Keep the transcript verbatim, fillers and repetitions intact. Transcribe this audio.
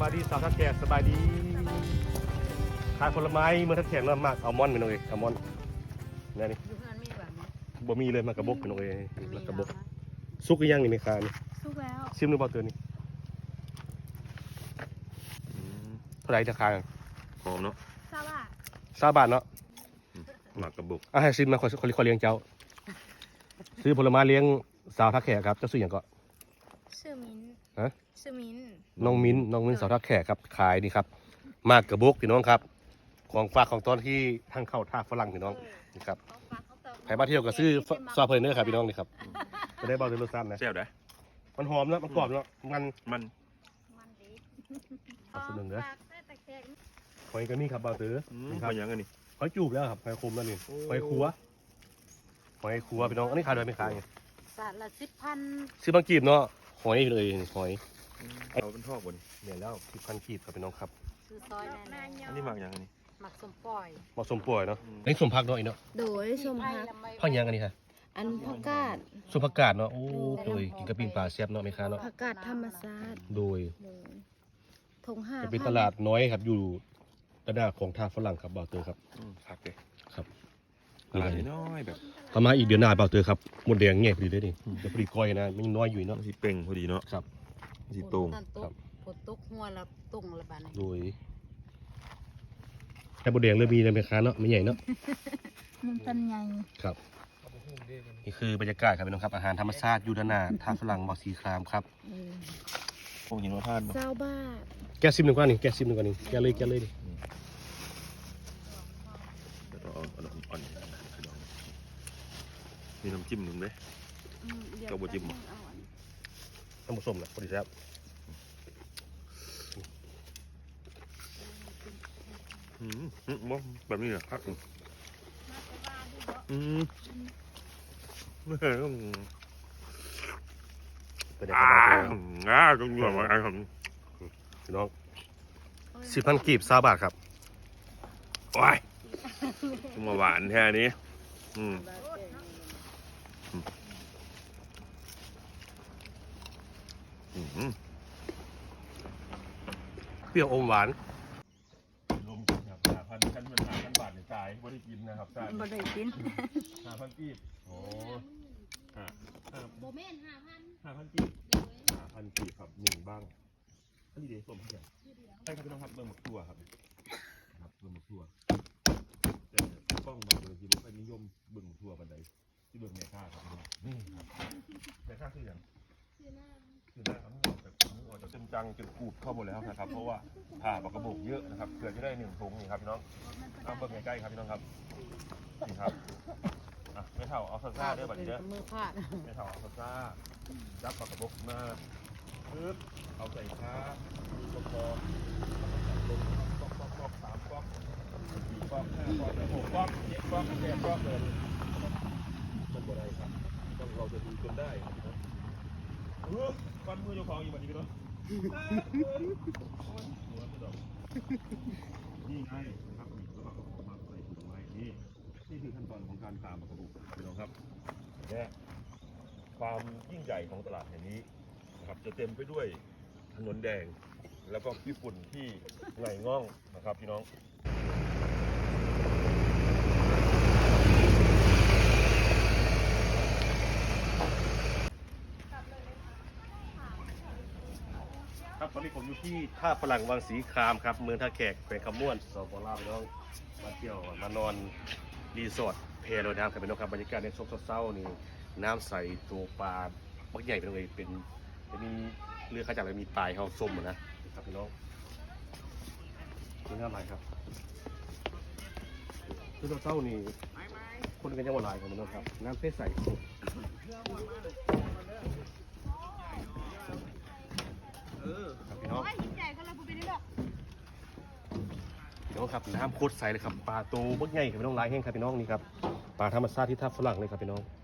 บายดีสาวทัดแขกสบายดีขายผลไม้เมื่อทัดแขกเริ่มมากอัลมอนด์เป็นองเอกอัลมอนด์นี่นี่อยู่เพื่อนมีแบบนี้บ่มีเลยมากระบอกเป็นองเอกแล้วกระบอกซุกอีกอย่างนี่ในคานี่สุกแล้วซิมหรือเปล่าเตือนนี่เท่าไหร่ราคาหอมเนาะทราบว่าสามบาทเนาะหมักกระบุกอ่ะให้ซิมมาคนคนคนเลี้ยงเจ้าซื้อผลไม้เลี้ยงสาวทักแขกครับเจ้าซื้ออย่างก็ชื่อมิ้นฮะชื่อมิ้นน้องมิ้นน้องมิ้นสาวทักแขกครับขายนี่ครับมากกระบอกพี่น้องครับของฝากของตอนที่ทางเข้าท่าฝรั่งพี่น้องนี่ครับเขาฝากเขาเติมใครมาเที่ยวก็ซื้อซอเพลินเนอร์ครับพี่น้องนี่ครับจะได้เบาด้วยรสชาตินะแซ่บได้มันหอมนะมันกรอบเนาะมันมันมันดีขอบคุณหนึ่งเด้อฝากได้ตะแคงหอยก็นี่ครับเบาตื้ออืมนี่คเป็รับนยังไงนี่หอยจูบแล้วครับหอยคมแล้วนี่โอ้หอยคัวหอยคัวพี่น้องอันนี้ขายโดยไม่ขายไงสาดละสิบพันซื้อบางกีบเนาะหอยเลยหอยเอาเป็นทอกบนเนี่ยแล้วสิบพันกีบครับพี่น้องครับคือซอยแน่อันนี้หมักยังไงนี่ๆหมักสมปล่อยเหมาะสมป่วยเนาะอืมอันนี้สมพักเนาะอีเนาะโดยชมพักพักยังอันนี้ค่ะอันผักกาดสมผักกาดเนาะโอ้โดยกินกับปิ้งปลาแซ่บเนาะไม่ค้าเนาะผักกาดธรรมชาติโดยโดยทงห้าจะเป็นตลาดน้อยครับอยู่ตลาดของท่าฝรั่งครับเบาตื้อครับอืมผักเลยครับตลาดน้อยๆแบบประมาณอีกเดือนหน้าเบาตื้อครับหมดแดงเงี้ยพอดีเลยนี่เดี๋ยวพอดีก้อยนะมันยังน้อยอยู่เนาะสีเป่งพอดีเนาะครับสีตรงนั่นครัตุ๊บกผดตุ๊กหัวละตุ่งละบาทนี่โดยแต่บดแดงเริ่มมีในแม่ค้าเนาะไม่ใหญ่เนาะมันเป็นไงครับนี่คือบรรยากาศครับพี่น้องครับอาหารธรรมชาติยูดานาท่าฝรั่งบอกสีครามครับพวกยินว่าท่านเนาะเจ้าบ้าทแก้ซิมหนึ่งกว่านี่แก้ซิมหนึ่งกว่านี่แก้เลยแก้เลยดิเดี๋ยวเราเอาเอาอ่อนๆนะพี่น้องมีน้ำจิ้มหนึ่งเลย กับบัวจิ้มเหรอน้ำผสมนะพอดีครับอืมอืมบ่แบบนี้เหรอครับอืมอืมไม่เคยต้องเป็นไงคอ่ารับอ่าต้องอยู่กับอะไรครับพี่น้องสิบพันกีบซาบาทครับโอ้ยมาหวานแค่นี้อืมอืมเปรี้ยวอมหวานรวมกันครับห้าพันขั้นเป็นห้าพันบาทในจ่ายไม่ได้กินนะครับจ่ายบ่ได้กินห้าพันกีบโอ้ห้าห้าโบเมนห้าพันห้าพันกีบห้าพันกีบครับหนึ่งบ้างอันนี้เดี๋ยวส้มเพียงใช่ครับพี่น้องครับเบิ่งหมกตัวครับครับเบิ่งหมกตัวแต่กล้องมาเบิ่งที่รถไฟนิยมเบิ่งหมกตัวบันไดที่เบิ่งแม่ค่าครับพี่น้องนี่ครับแม่ค่าคืออย่างคือหน้าครับมือออกจากมือออกจากจนจังจนกูดเข้าหมดแล้วนะครับเพราะว่าผ่าปากกระบอกเยอะนะครับเพื่อจะได้หนึ่งถุงนี่ครับพี่น้องเอาเบิ่งใกล้ๆครับพี่น้องครับนี่ครับอ่ะไม่เท่าเอาซ่าๆเด้อบัดนี้เด้อมือพาดไม่เท่าเอาซ่าจับปากกระบอกมาปึ๊บเอาใส่ค้าก็พอก๊อกก๊อกก๊อกสามก๊อกสี่ก๊อกห้าก๊อกหกก๊อกเจ็ดก๊อกแปดก๊อกเลยมันบ่ได้ครับต้องเราจะดูจนได้ครับพี่น้องเออฟันมือเจ้าของอยู่แบบนี้พี่น้องนี่ไงนะครับนี่แล้วก็เอามาใส่ถุงไว้นี่นี่คือขั้นตอนของการตามปากกระบอกพี่น้องครับและความยิ่งใหญ่ของตลาดแห่งนี้นะครับจะเต็มไปด้วยถนนแดงแล้วก็ญี่ปุ่นที่ไงง่องนะครับพี่น้องครับตอนนี้ผมอยู่ที่ท่าฝรั่งวังสีครามครับเมืองท่าแขกแขวงคำม่วนสปปลาวพี่น้องมาเที่ยวมานอนรีสอร์ทเพลอยน้ำครับพี่น้องครับบรรยากาศในช่วงเช้าๆนี่น้ำใสตัวปลาบักใหญ่เป็นเลยเป็นจะมีเรือข้าจากเลยมีปลายเขาส้มอะนะครับพี่น้องนี่น้ำไหลครับช่วงเช้าๆนี่คนกันยังหวานหลายครับพี่น้องครับน้ำใสๆครับพี่น้องใหญ่ก็เลยบ่เป็นได้ดอกพี่น้องครับน้ำโคตรใสเลยครับปลาโตบักใหญ่ครับพี่น้องลายแห้งครับพี่น้องนี่ครับปลาธรรมชาติที่ท่าฝรั่งเลยครับพี่น้อง